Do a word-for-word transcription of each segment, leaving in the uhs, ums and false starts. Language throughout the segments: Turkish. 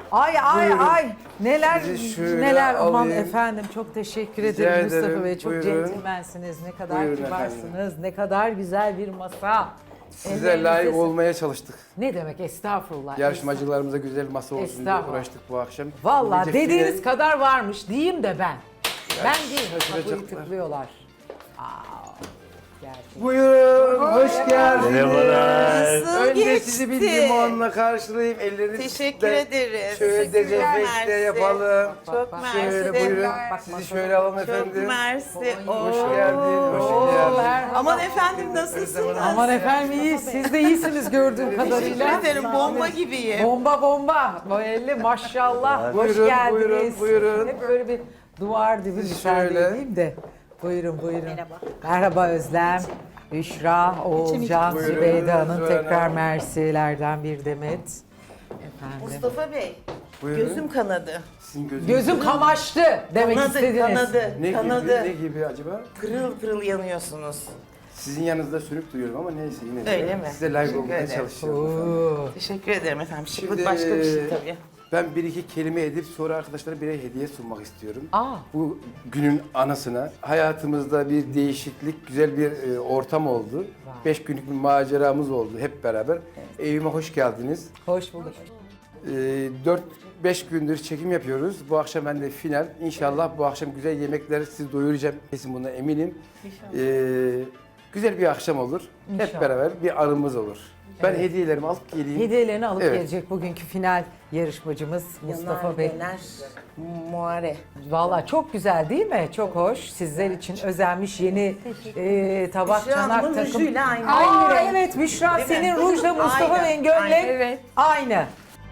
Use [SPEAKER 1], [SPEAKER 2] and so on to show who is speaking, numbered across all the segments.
[SPEAKER 1] Ay ay
[SPEAKER 2] Buyurun.
[SPEAKER 1] ay neler
[SPEAKER 2] Sizi şöyle
[SPEAKER 1] neler aman
[SPEAKER 2] alayım.
[SPEAKER 1] efendim çok teşekkür
[SPEAKER 2] Rica
[SPEAKER 1] ederim Mustafa
[SPEAKER 2] ederim.
[SPEAKER 1] Bey, çok
[SPEAKER 2] Buyurun.
[SPEAKER 1] centilmensiniz, ne kadar
[SPEAKER 2] Buyurun
[SPEAKER 1] kibarsınız,
[SPEAKER 2] efendim.
[SPEAKER 1] ne kadar güzel bir masa.
[SPEAKER 2] Size
[SPEAKER 1] Ellerinize-
[SPEAKER 2] layık olmaya çalıştık.
[SPEAKER 1] Ne demek, estağfurullah.
[SPEAKER 2] Yarışmacılarımıza güzel masa olsun diye
[SPEAKER 1] Estağfurullah.
[SPEAKER 2] uğraştık bu akşam.
[SPEAKER 1] Vallahi
[SPEAKER 2] Gece
[SPEAKER 1] dediğiniz
[SPEAKER 2] final-
[SPEAKER 1] kadar varmış diyeyim de ben. Ben değil, kapıyı
[SPEAKER 2] şaşıracaklar.
[SPEAKER 1] tıklıyorlar. Aa, gerçekten.
[SPEAKER 2] Buyurun, hoş geldiniz.
[SPEAKER 3] Merhabalar.
[SPEAKER 4] Nasıl
[SPEAKER 2] Önce
[SPEAKER 4] geçti?
[SPEAKER 2] sizi bir limonla karşılayayım. Ellerinizi
[SPEAKER 4] Teşekkür
[SPEAKER 2] de
[SPEAKER 4] ederiz.
[SPEAKER 2] şöyle
[SPEAKER 4] Teşekkürler,
[SPEAKER 2] dezenfekte
[SPEAKER 4] mersi.
[SPEAKER 2] yapalım.
[SPEAKER 4] Çok
[SPEAKER 1] bak,
[SPEAKER 4] mersi.
[SPEAKER 2] Şöyle
[SPEAKER 4] de-
[SPEAKER 2] buyurun.
[SPEAKER 1] Bak,
[SPEAKER 2] Sizi
[SPEAKER 1] masada-
[SPEAKER 2] şöyle alalım
[SPEAKER 4] Çok
[SPEAKER 2] efendim.
[SPEAKER 4] mersi.
[SPEAKER 2] Hoş
[SPEAKER 4] Oo.
[SPEAKER 2] geldin, hoş
[SPEAKER 1] Oo,
[SPEAKER 2] geldin.
[SPEAKER 1] merhaba.
[SPEAKER 4] Aman efendim nasılsınız?
[SPEAKER 1] Aman efendim iyiyiz, siz de iyisiniz gördüğüm kadarıyla.
[SPEAKER 4] Teşekkür ederim. Bomba gibiyim.
[SPEAKER 1] Bomba bomba. Böyle maşallah. Hoş
[SPEAKER 2] Buyurun,
[SPEAKER 1] geldiniz.
[SPEAKER 2] buyurun, buyurun.
[SPEAKER 1] Hep böyle bir duvar dibi misal
[SPEAKER 2] Şöyle.
[SPEAKER 1] diyeyim de. Buyurun buyurun. Merhaba. Merhaba Özlem. Büşra, Oğulcan,
[SPEAKER 2] Buyurun,
[SPEAKER 1] Zübeyde Hanım,
[SPEAKER 2] Zühre
[SPEAKER 1] tekrar
[SPEAKER 2] Hanım.
[SPEAKER 1] mersilerden bir demet. Efendim.
[SPEAKER 4] Mustafa Bey,
[SPEAKER 2] Buyurun.
[SPEAKER 4] gözüm kanadı.
[SPEAKER 2] Sizin gözünüz.
[SPEAKER 1] Gözüm kamaştı demek
[SPEAKER 4] Kanadı,
[SPEAKER 1] istediniz.
[SPEAKER 4] kanadı,
[SPEAKER 2] Ne
[SPEAKER 4] kanadı.
[SPEAKER 2] gibi, ne gibi acaba?
[SPEAKER 4] Pırıl pırıl yanıyorsunuz.
[SPEAKER 2] Sizin yanınızda sürüp duruyorum ama neyse yine de
[SPEAKER 4] Öyle mi?
[SPEAKER 2] size layık
[SPEAKER 4] Teşekkür
[SPEAKER 2] olmaya
[SPEAKER 4] ederim.
[SPEAKER 2] çalışıyorum.
[SPEAKER 1] Oo.
[SPEAKER 4] Teşekkür ederim efendim. Şıklık
[SPEAKER 2] Şimdi,
[SPEAKER 4] başka bir şey tabii.
[SPEAKER 2] Ben bir iki kelime edip sonra arkadaşlara birer hediye sunmak istiyorum.
[SPEAKER 1] Aa.
[SPEAKER 2] Bu günün anısına. Hayatımızda bir değişiklik, güzel bir e, ortam oldu. Beş günlük bir maceramız oldu hep beraber. Evime hoş geldiniz.
[SPEAKER 1] Hoş bulduk.
[SPEAKER 2] E, dört beş gündür çekim yapıyoruz. Bu akşam ben de final. İnşallah bu akşam güzel yemekler sizi doyuracağım. Kesin bundan eminim. E, güzel bir akşam olur.
[SPEAKER 1] İnşallah.
[SPEAKER 2] Hep beraber bir anımız olur. Ben hediyelerimi alıp geleyim.
[SPEAKER 1] Hediyelerini alıp
[SPEAKER 2] Evet.
[SPEAKER 1] gelecek bugünkü final yarışmacımız Mustafa
[SPEAKER 4] Yanar,
[SPEAKER 1] Bey.
[SPEAKER 4] döner, muare.
[SPEAKER 1] Vallahi çok güzel değil mi? Çok hoş. Sizler için özenmiş yeni e, tabak,
[SPEAKER 4] Büşra
[SPEAKER 1] çanak
[SPEAKER 4] Hanım'ın
[SPEAKER 1] takım.
[SPEAKER 4] rujuyla aynı.
[SPEAKER 1] Aa,
[SPEAKER 4] Aynı renk.
[SPEAKER 1] evet Büşra
[SPEAKER 4] Değil mi?
[SPEAKER 1] senin rujla Mustafa
[SPEAKER 4] Aynı,
[SPEAKER 1] Bey'in gömlek
[SPEAKER 4] aynı.
[SPEAKER 1] evet. aynı.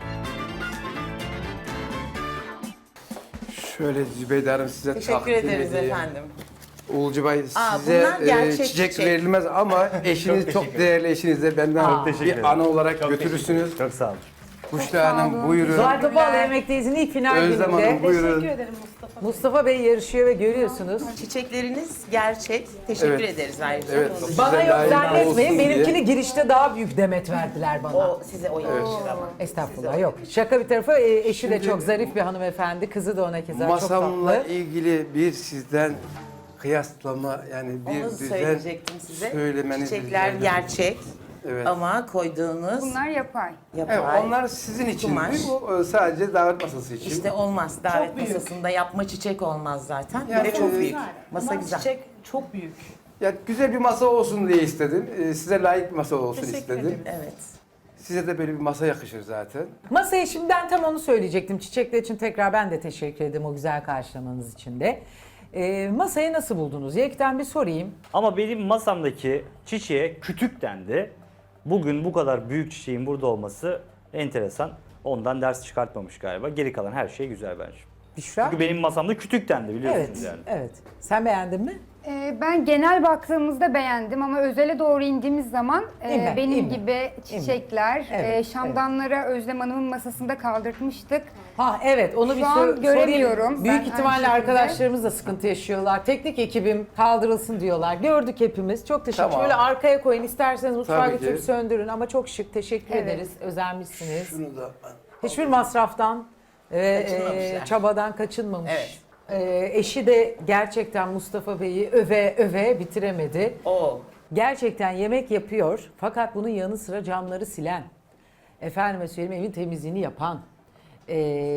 [SPEAKER 2] Şöyle Zübeyde Hanım size
[SPEAKER 4] Teşekkür
[SPEAKER 2] takdim
[SPEAKER 4] ederiz
[SPEAKER 2] edeyim.
[SPEAKER 4] efendim.
[SPEAKER 2] Uğulcu Bey
[SPEAKER 4] Aa,
[SPEAKER 2] size
[SPEAKER 4] bunlar gerçek
[SPEAKER 2] e, çiçek,
[SPEAKER 4] çiçek.
[SPEAKER 2] verilmez ama eşiniz çok, değerli eşinizle benden
[SPEAKER 1] Çok
[SPEAKER 3] teşekkür
[SPEAKER 2] bir
[SPEAKER 3] ederim.
[SPEAKER 2] anı olarak götürürsünüz.
[SPEAKER 3] Çok sağ olun.
[SPEAKER 2] Büşra Hanım buyurun.
[SPEAKER 1] Zuhal Topal Yemekteyiz ilk final
[SPEAKER 2] Özlem Hanım
[SPEAKER 1] gününde
[SPEAKER 2] buyurun.
[SPEAKER 1] Mustafa Bey yarışıyor ve görüyorsunuz.
[SPEAKER 4] Çiçekleriniz gerçek. Teşekkür
[SPEAKER 2] Evet.
[SPEAKER 4] ederiz ayrıca.
[SPEAKER 2] Evet.
[SPEAKER 4] Onu-
[SPEAKER 1] Bana
[SPEAKER 2] Size
[SPEAKER 1] yok
[SPEAKER 2] layık
[SPEAKER 1] zannetmeyin.
[SPEAKER 2] olsun diye.
[SPEAKER 1] Benimkini girişte daha büyük demet verdiler bana.
[SPEAKER 4] O size o yakışır ama.
[SPEAKER 1] Estağfurullah yok. Şaka bir tarafa e, eşi de çok zarif bir hanımefendi. Kızı da ona keza çok
[SPEAKER 2] Masamla
[SPEAKER 1] tatlı.
[SPEAKER 2] ilgili bir sizden kıyaslama yani bir
[SPEAKER 4] Onu
[SPEAKER 2] düzen
[SPEAKER 4] söyleyecektim size.
[SPEAKER 2] söylemeniz
[SPEAKER 4] Çiçekler
[SPEAKER 2] rica ederim.
[SPEAKER 4] gerçek
[SPEAKER 2] Evet.
[SPEAKER 4] ama koyduğunuz
[SPEAKER 5] Bunlar yapay.
[SPEAKER 4] yapay.
[SPEAKER 2] Evet, onlar sizin için.
[SPEAKER 4] Kumaş.
[SPEAKER 2] Bu e, sadece davet masası için.
[SPEAKER 4] İşte olmaz. Davet masasında yapma çiçek olmaz zaten.
[SPEAKER 2] Yani
[SPEAKER 4] bir de çok
[SPEAKER 2] o-
[SPEAKER 4] büyük. Masa güzel.
[SPEAKER 6] Çiçek çok büyük.
[SPEAKER 2] Yani güzel bir masa olsun diye istedim. E, Size layık bir masa olsun
[SPEAKER 6] Teşekkür
[SPEAKER 2] istedim.
[SPEAKER 6] ederim.
[SPEAKER 4] Evet.
[SPEAKER 2] Size de böyle bir masa yakışır zaten.
[SPEAKER 1] Masaya şimdi ben tam onu söyleyecektim. Çiçekler için tekrar ben de teşekkür ederim o güzel karşılamanız için de. Ee, masayı nasıl buldunuz? Yekten bir sorayım.
[SPEAKER 3] Ama benim masamdaki çiçeğe kütük dendi. Bugün bu kadar büyük çiçeğin burada olması enteresan. Ondan ders çıkartmamış galiba. Geri kalan her şey güzel bence.
[SPEAKER 1] Büşra?
[SPEAKER 3] Çünkü benim masamda kütük dendi biliyorsunuz
[SPEAKER 1] Evet,
[SPEAKER 3] yani.
[SPEAKER 1] evet. Sen beğendin mi?
[SPEAKER 5] Ee, ben genel baktığımızda beğendim ama özele doğru indiğimiz zaman e,
[SPEAKER 1] İnme,
[SPEAKER 5] benim
[SPEAKER 1] inme.
[SPEAKER 5] gibi çiçekler,
[SPEAKER 1] Evet,
[SPEAKER 5] e, şamdanlara Özlem Hanım'ın masasında kaldırtmıştık.
[SPEAKER 1] Ha evet onu
[SPEAKER 5] Şu
[SPEAKER 1] bir
[SPEAKER 5] an
[SPEAKER 1] sor- sorayım.
[SPEAKER 5] göremiyorum.
[SPEAKER 1] Büyük
[SPEAKER 5] Ben
[SPEAKER 1] ihtimalle
[SPEAKER 5] aynı şekilde.
[SPEAKER 1] arkadaşlarımız da sıkıntı yaşıyorlar. Teknik ekibim kaldırılsın diyorlar. Gördük hepimiz. Çok teşekkür.
[SPEAKER 2] Tamam.
[SPEAKER 1] Şöyle arkaya koyun isterseniz mutfağa
[SPEAKER 2] Tabii
[SPEAKER 1] götürüp
[SPEAKER 2] ki.
[SPEAKER 1] söndürün ama çok şık. Teşekkür
[SPEAKER 5] Evet.
[SPEAKER 1] ederiz. Özenmişsiniz.
[SPEAKER 2] Şunu da
[SPEAKER 1] Hiçbir masraftan ve
[SPEAKER 4] Kaçınmamışlar.
[SPEAKER 1] e, çabadan kaçınmamış.
[SPEAKER 4] Evet.
[SPEAKER 1] E, eşi de gerçekten Mustafa Bey'i öve öve bitiremedi.
[SPEAKER 4] O.
[SPEAKER 1] Gerçekten yemek yapıyor fakat bunun yanı sıra camları silen, efendime söyleyeyim evin temizliğini yapan, e,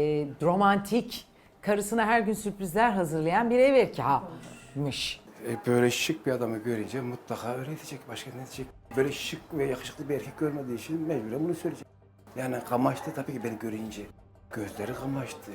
[SPEAKER 1] romantik, karısına her gün sürprizler hazırlayan bir ev erkeğiymiş.
[SPEAKER 2] E, böyle şık bir adamı görünce mutlaka öyle diyecek. Başka ne diyecek? Böyle şık ve yakışıklı bir erkek görmediği için mecburen bunu söyleyecek. Yani kamaştı tabii ki beni görünce. Gözleri kamaştı.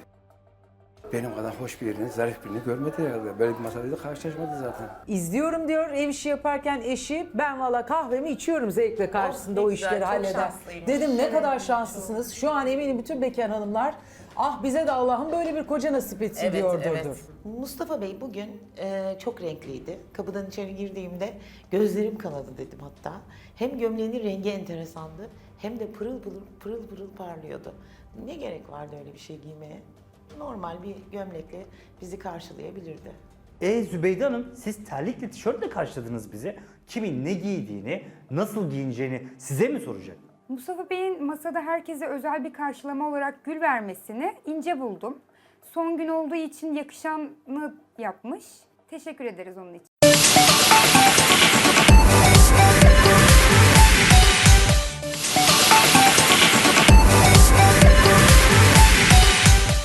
[SPEAKER 2] Benim kadar hoş birini, zarif birini görmedi herhalde. Böyle bir masayla karşılaşmadı zaten.
[SPEAKER 1] İzliyorum diyor ev işi yaparken eşi, ben valla kahvemi içiyorum zevkle karşısında
[SPEAKER 4] ne
[SPEAKER 1] o
[SPEAKER 4] güzel,
[SPEAKER 1] işleri
[SPEAKER 4] çok
[SPEAKER 1] halleder.
[SPEAKER 4] şanslıymış.
[SPEAKER 1] Dedim ne kadar şanslısınız. Şu an eminim bütün bekar hanımlar ah bize de Allah'ım böyle bir koca nasip etsin
[SPEAKER 4] Evet,
[SPEAKER 1] diyordur.
[SPEAKER 4] evet. Mustafa Bey bugün e, çok renkliydi. Kapıdan içeri girdiğimde gözlerim kanadı dedim hatta. Hem gömleğinin rengi enteresandı hem de pırıl pırıl pırıl pırıl parlıyordu. Ne gerek vardı öyle bir şey giymeye? Normal bir gömlekle bizi karşılayabilirdi.
[SPEAKER 3] E Zübeyde Hanım siz terlikle tişörtle karşıladınız bizi. Kimin ne giydiğini, nasıl giyineceğini size mi soracak?
[SPEAKER 5] Mustafa Bey'in masada herkese özel bir karşılama olarak gül vermesini ince buldum. Son gün olduğu için yakışanı yapmış. Teşekkür ederiz onun için.